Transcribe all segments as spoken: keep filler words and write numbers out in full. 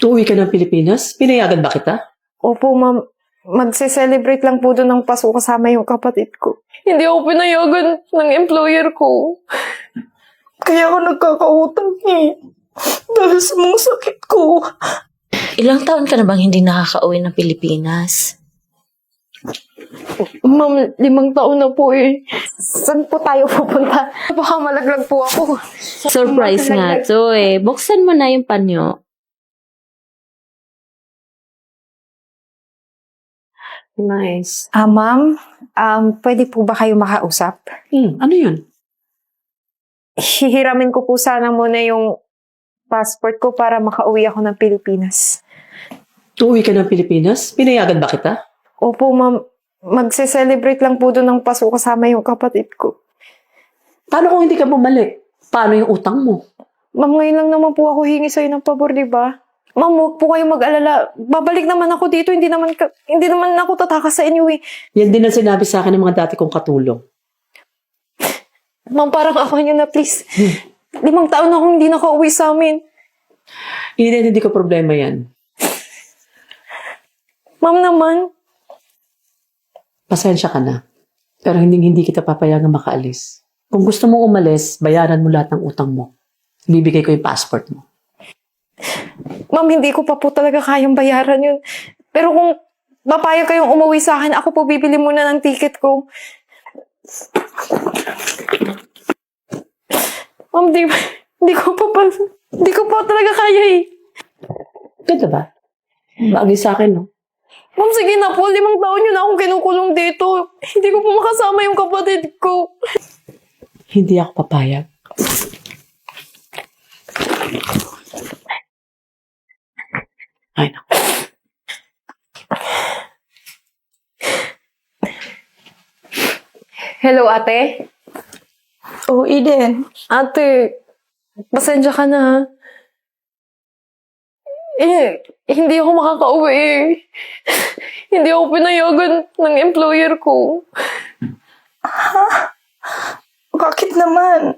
Uuwi ka ng Pilipinas? Pinayagan ba kita? Opo, ma'am. Magse-celebrate lang po doon ng Pasko kasama yung kapatid ko. Hindi ako pinayagan ng employer ko. Kaya ako nagkakautang eh. Dahil sa mga sakit ko. Ilang taon ka na bang hindi nakaka-uwi ng Pilipinas? Ma'am, limang taon na po eh. Saan po tayo pupunta? Baka malaglag po ako. Surprise nga to eh. Buksan mo na yung panyo. Nice. Ah, ma'am, um, pwede po ba kayo makausap? Hmm, ano yun? Hihiramin ko po sana muna yung passport ko para makauwi ako ng Pilipinas. Uuwi ka ng Pilipinas? Pinayagan ba kita? Opo, ma'am. Magse-celebrate lang po doon ng Pasko kasama yung kapatid ko. Paano kung hindi ka bumalik? Paano yung utang mo? Ma'am, ngayon lang naman po ako hingi sa'yo ng pabor, di ba? Ma'am, huwag po kayong mag-alala. Babalik naman ako dito. Hindi naman, ka, hindi naman ako tatakas sa inyo eh. Yan din ang sinabi sa akin ng mga dati kong katulong. Ma'am, parang ako nyo na, please. Limang taon na akong hindi nakauwi sa amin. Hindi hindi ko problema yan. Ma'am naman. Pasensya ka na. Pero hindi hindi kita papayagang makaalis. Kung gusto mo umalis, bayaran mo lahat ng utang mo. Bibigay ko yung passport mo. Ma'am, hindi ko pa po talaga kayang bayaran yun. Pero kung papayag kayong umuwi sa akin, ako po bibili muna ng ticket ko. Ma'am, di, di ko pa pa, di ko pa talaga kaya eh. Ganda ba? Bagay sa akin, no? Ma'am, sige na po. Limang taon yun na akong kinukulong dito. Hindi ko po makasama yung kapatid ko. Hindi ako papayag. Ay, naku. Hello, ate? Oh, Eden. Ate, pasensya ka na ha. Eh, hindi ako makakauwi eh. Hindi ako pinayagan ng employer ko. Bakit naman?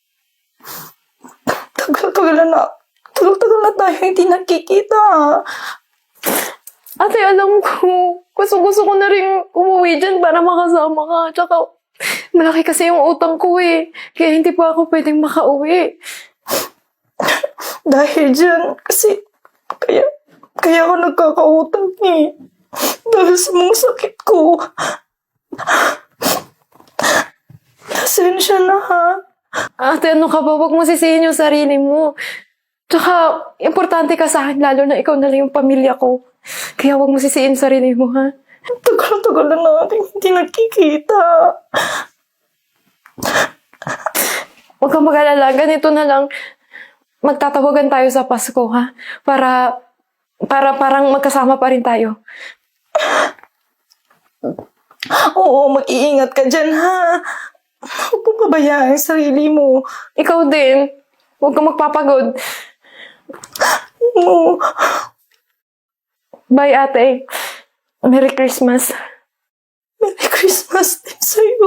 Tagal-tagal na. Tagal-tagal na tayo hindi nakikita. Ate, alam ko, gusto-gusto ko na rin umuwi dyan para makasama ka. Tsaka, malaki kasi yung utang ko eh. Kaya hindi pa ako pwedeng makauwi. Dahil dyan, kasi, kaya, kaya ako nagkakautang eh. Dahil sa mga sakit ko. Pasensya na ha. Ate, ano ka ba? Huwag mo sisihin yung sarili mo. Tsaka, importante ka sa akin, lalo na ikaw na lang yung pamilya ko. Kaya huwag mo sisihin yung sarili mo, ha? Tagal-tagal na natin hindi nakikita. Huwag kang mag-alala. Ganito na lang. Magtatawagan tayo sa Pasko, ha? Para, para parang magkasama pa rin tayo. Oo, mag-iingat ka dyan ha. Huwag mo pabayaan ang sarili mo. Ikaw din. Huwag kang magpapagod. Oo. Bye, ate. Merry Christmas. Merry Christmas din sa'yo.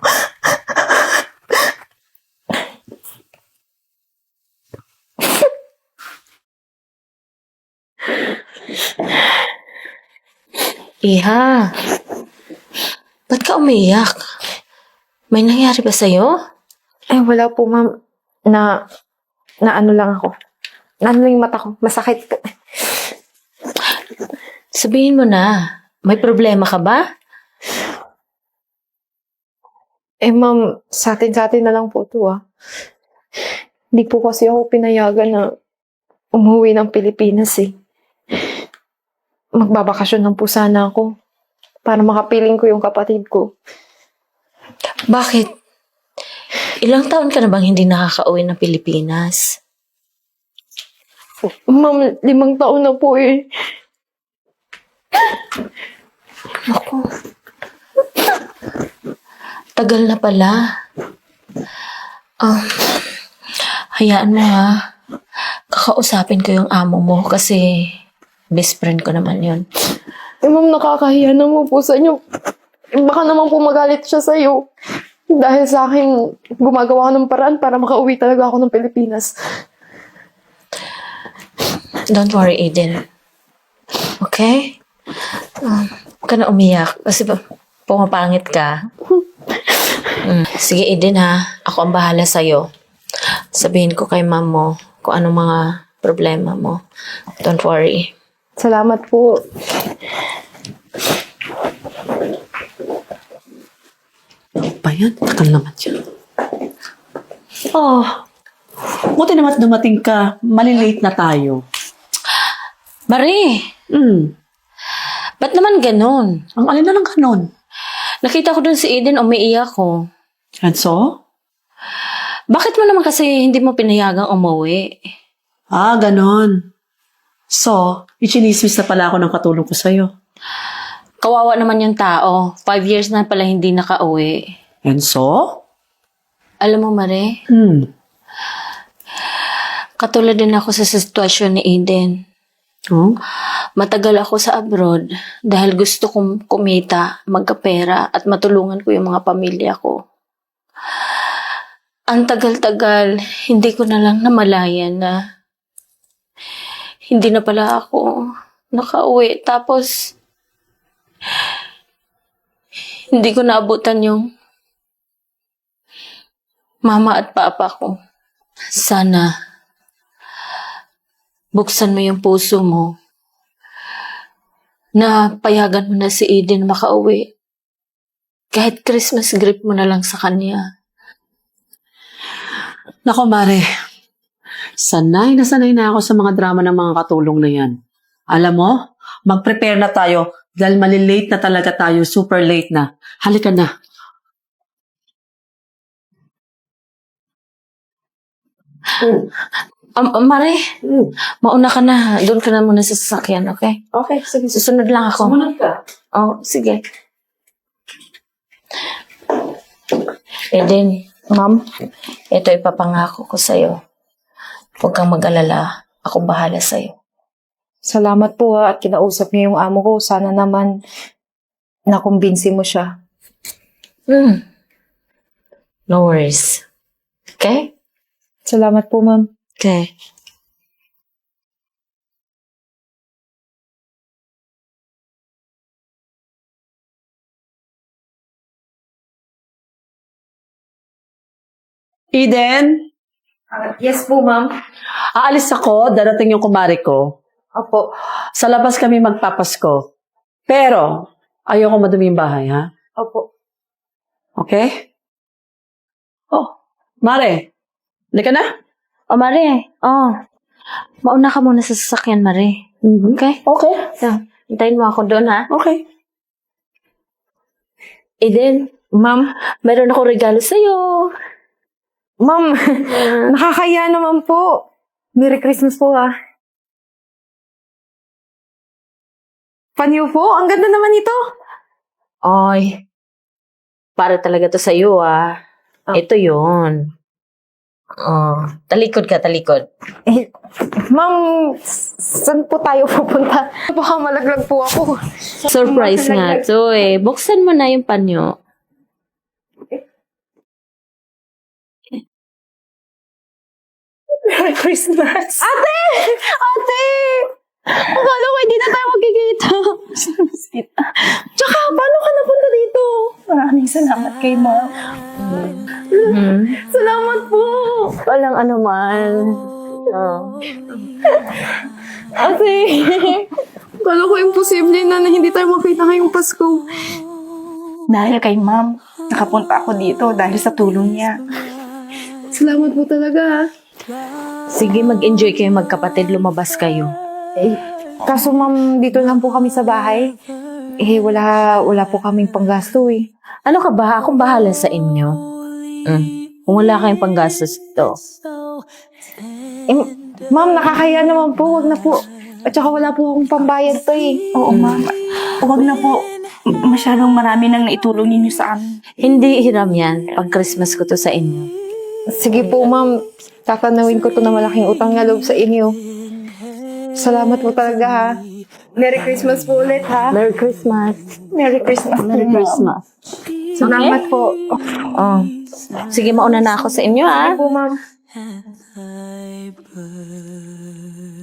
Iha, ba't ka umiiyak? May nangyari ba sa'yo? Ay, wala po, ma'am. Na, na ano lang ako. Na ano yung mata ko. Masakit. Sabihin mo na, may problema ka ba? Eh, ma'am, sa atin-sa atin na lang po ito, ah. Hindi po kasi ako pinayagan na umuwi ng Pilipinas, eh. Magbabakasyon lang po sana ako para makapiling ko yung kapatid ko. Bakit? Ilang taon ka na bang hindi nakaka-uwi ng Pilipinas? Ma'am, limang taon na po, eh. Naku. Tagal na pala. Um, hayaan mo ha. Kakausapin ko yung amo mo kasi best friend ko naman yun. Eh, ma'am, nakakahiya naman po sa inyo. Eh, baka naman po magalit siya sa'yo. Dahil sa akin, gumagawa ako ng paraan para makauwi talaga ako ng Pilipinas. Don't worry, Eden. Okay? Um, huwag ka na umiyak. Kasi ba, pumapangit ka. Mm. Sige, Eden ha. Ako ang bahala sa'yo. Sabihin ko kay ma'am mo kung anong mga problema mo. Don't worry. Salamat po. Pa yan? Takal naman siya. Oh, buti naman dumating ka. Malilate na tayo. Marie, Hmm, ba't naman ganun? ang alin na lang kanon. Nakita ko dun si Eden, umiiyak ko. And so? Bakit mo naman kasi hindi mo pinayagang umuwi? Ah, ganon. So, ichinismis na pala ako ng katulong ko sa'yo. Kawawa naman yung tao. Five years na pala hindi nakauwi. And so? Alam mo, Marie, Hmm. katulad din ako sa sitwasyon ni Eden. Oh? Matagal ako sa abroad dahil gusto kong kumita, magkapera at matulungan ko yung mga pamilya ko. Ang tagal-tagal, hindi ko na lang namalayan na hindi na pala ako nakauwi. Tapos, hindi ko naabutan yung mama at papa ko. Sana, buksan mo yung puso mo na payagan mo na si Eden makauwi. Kahit Christmas gift mo na lang sa kanya. Nako, Mare. Sanay na sanay na ako sa mga drama ng mga katulong na yan. Alam mo, mag-prepare na tayo dahil malilate na talaga tayo, super late na. Halika na. Um, um, Mare, Hmm. mauna ka na. Doon ka na muna sa sasakyan, okay? Okay, sige. Susunod lang ako. Sumunod ka. Oh, sige. Eden, Ma'am, ito ipapangako ko sa'yo. Huwag kang mag-alala. Ako bahala sa'yo. salamat po ha at kinausap niyo yung amo ko. Sana naman nakumbinsi mo siya. Hmm. No worries. Okay? Salamat po, ma'am. Okay. Eden, Yes po, ma'am. aalis ako. Darating yung kumari ko. Opo. Sa labas kami magpapasko. Pero, ayoko madumi yung bahay, ha? Opo. Okay? Oh, Mare. Halika na. Oh, Mare. Oh. Mauna ka muna sa sasakyan, Mare. Okay? Okay. So, hintayin mo ako doon, ha? Okay. Eden, Ma'am, meron ako regalo sa'yo. ma'am, nakakaya naman po. Merry Christmas po ah. Panyo po, ang ganda naman ito. Ay, para talaga to sa'yo, ah. Oh. Ito yun. Oh, talikod ka, talikod. Eh, ma'am, s- saan po tayo pupunta? Baka malaglag po ako. Surprise nga to eh. Buksan mo na yung panyo. Merry Christmas! Ate! Ate! Akala ko hindi na tayo magkikita. Tsaka, paano ka napunta dito? Maraming salamat kay Ma'am. Hmm. Salamat po! Walang anuman. Oh. Ate! Akala ko imposible na na hindi tayo makita ngayong Pasko. Dahil kay Ma'am, nakapunta ako dito dahil sa tulong niya. Salamat po talaga. Sige, mag-enjoy kayo magkapatid. Lumabas kayo. Eh, kaso ma'am, dito lang po kami sa bahay. Eh, wala, wala po kaming panggasto eh. Ano ka ba? Akong bahala sa inyo. Mm. Kung wala kayong panggastos ito. Eh, ma'am, nakakaya naman po. Wag na po. At saka wala po akong pambayad to eh. Oo, Ma'am. Huwag na po. Masyadong marami nang naitulong ninyo sa amin. Hindi hiram yan. Pag Christmas ko to sa inyo. Sige po, ma'am. Tatanawin ko to na malaking utang na loob sa inyo. Salamat po talaga ha. Merry Christmas po ulit ha. Merry Christmas. Merry Christmas. Merry Christmas. Salamat po. Oh. Sige, mauna na ako sa inyo, ah. Sige po, ma'am. I burn.